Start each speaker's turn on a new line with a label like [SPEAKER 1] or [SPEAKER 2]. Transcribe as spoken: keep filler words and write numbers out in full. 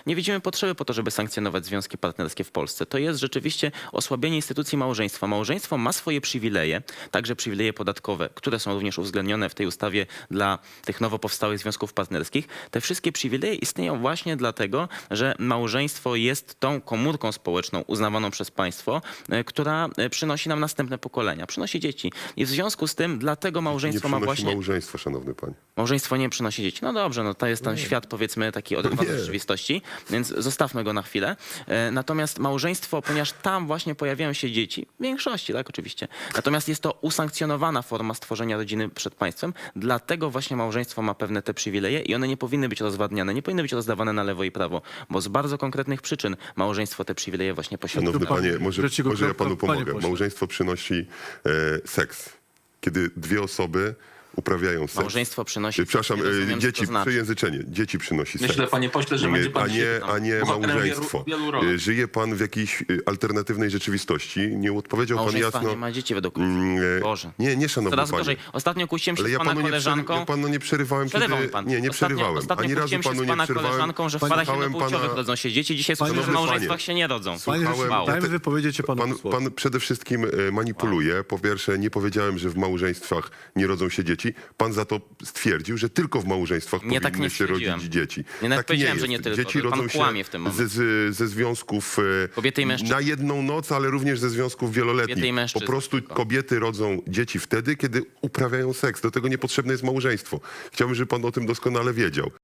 [SPEAKER 1] Nie widzimy potrzeby po to, żeby sankcjonować związki partnerskie w Polsce. To jest rzeczywiście osłabienie instytucji małżeństwa. Małżeństwo ma swoje przywileje, także przywileje podatkowe, które są również uwzględnione w tej ustawie dla tych nowo powstałych związków partnerskich. Te wszystkie przywileje istnieją właśnie dlatego, że małżeństwo jest tą komórką społeczną uznawaną przez państwo, która przynosi nam następne pokolenia, przynosi dzieci. I w związku z tym dlatego małżeństwo
[SPEAKER 2] nie
[SPEAKER 1] ma
[SPEAKER 2] przynosi
[SPEAKER 1] właśnie...
[SPEAKER 2] małżeństwo, szanowny panie.
[SPEAKER 1] Małżeństwo nie przynosi dzieci. No dobrze, no to jest ten świat, powiedzmy, taki oderwany od rzeczywistości, więc zostawmy go na chwilę. E, Natomiast małżeństwo, ponieważ tam właśnie pojawiają się dzieci, w większości, tak, oczywiście. Natomiast jest to usankcjonowana forma stworzenia rodziny przed państwem, dlatego właśnie małżeństwo ma pewne te przywileje i one nie powinny być rozwadniane, nie powinny być rozdawane na lewo i prawo, bo z bardzo konkretnych przyczyn małżeństwo te przywileje właśnie posiada.
[SPEAKER 2] Szanowny
[SPEAKER 3] Pan-
[SPEAKER 2] panie, może,
[SPEAKER 3] Trzeciego
[SPEAKER 2] może ja
[SPEAKER 3] kropka,
[SPEAKER 2] panu
[SPEAKER 3] panie
[SPEAKER 2] pomogę.
[SPEAKER 3] pośle.
[SPEAKER 2] Małżeństwo przynosi e, seks. Kiedy dwie osoby uprawiają seks.
[SPEAKER 1] Małżeństwo przynosi...
[SPEAKER 2] E, Przepraszam,
[SPEAKER 1] nie rozumiem,
[SPEAKER 2] e,
[SPEAKER 1] co
[SPEAKER 2] dzieci,
[SPEAKER 1] to znaczy.
[SPEAKER 2] przejęzyczenie. Dzieci przynosi seks.
[SPEAKER 4] Myślę, panie pośle, że będzie pan
[SPEAKER 2] a nie, a nie
[SPEAKER 4] bohaterem
[SPEAKER 2] małżeństwo.
[SPEAKER 4] Wielu, wielu rolek.
[SPEAKER 2] E, Żyje pan w jakiejś e, alternatywnej rzeczywistości. Nie odpowiedział pan
[SPEAKER 1] Małżeństwa
[SPEAKER 2] jasno.
[SPEAKER 1] nie ma dzieci według
[SPEAKER 2] Mm, e,
[SPEAKER 1] Boże.
[SPEAKER 2] Nie, nie, szanowny
[SPEAKER 1] Coraz
[SPEAKER 2] panie.
[SPEAKER 1] gorzej. Ostatnio kłóciłem się
[SPEAKER 2] Ale
[SPEAKER 1] z
[SPEAKER 2] ja
[SPEAKER 1] pana
[SPEAKER 2] panu nie,
[SPEAKER 1] koleżanką.
[SPEAKER 2] przery, ja panu nie przerywałem,
[SPEAKER 1] Przerywał
[SPEAKER 2] kiedy...
[SPEAKER 1] mi pan.
[SPEAKER 2] Nie, nie
[SPEAKER 1] Ostatnio-
[SPEAKER 2] przerywałem.
[SPEAKER 1] Ostatnio
[SPEAKER 2] Ani razu
[SPEAKER 1] kłóciłem się
[SPEAKER 2] panu
[SPEAKER 1] z
[SPEAKER 2] nie
[SPEAKER 1] pana
[SPEAKER 2] przerwałem.
[SPEAKER 1] koleżanką, że w
[SPEAKER 2] Słuchałem
[SPEAKER 1] parach jednopłciowych
[SPEAKER 2] pana-
[SPEAKER 1] rodzą się dzieci. Dzisiaj słyszę, że w
[SPEAKER 2] Szanowny
[SPEAKER 1] małżeństwach
[SPEAKER 2] panie.
[SPEAKER 1] się nie rodzą.
[SPEAKER 3] Panie
[SPEAKER 2] Słuchałem-
[SPEAKER 3] rzeczniku, dajmy
[SPEAKER 2] te-
[SPEAKER 3] wypowiedzieć się panu
[SPEAKER 2] Pan,
[SPEAKER 3] posłowi.
[SPEAKER 2] pan przede wszystkim e, manipuluje. Po pierwsze, nie powiedziałem, że w małżeństwach nie rodzą się dzieci. Pan za to stwierdził, że tylko w małżeństwach
[SPEAKER 1] Nie, tak
[SPEAKER 2] powinny
[SPEAKER 1] nie
[SPEAKER 2] się rodzić
[SPEAKER 1] stwierdziłem.
[SPEAKER 2] dzieci.
[SPEAKER 1] Nie, nawet
[SPEAKER 2] tak
[SPEAKER 1] powiedziałem,
[SPEAKER 2] nie
[SPEAKER 1] że
[SPEAKER 2] jest.
[SPEAKER 1] nie tylko.
[SPEAKER 2] Dzieci
[SPEAKER 1] Pan
[SPEAKER 2] rodzą się
[SPEAKER 1] kłamie w tym momencie.
[SPEAKER 2] ze, z, ze związków e,
[SPEAKER 1] Kobiety i mężczyzn.
[SPEAKER 2] na jedną noc, ale również ze związków
[SPEAKER 1] Kobiety i
[SPEAKER 2] wieloletnich.
[SPEAKER 1] mężczyzn
[SPEAKER 2] Po prostu
[SPEAKER 1] tylko.
[SPEAKER 2] kobiety rodzą dzieci wtedy, kiedy uprawiają seks. Do tego niepotrzebne jest małżeństwo. Chciałbym, żeby pan o tym doskonale wiedział.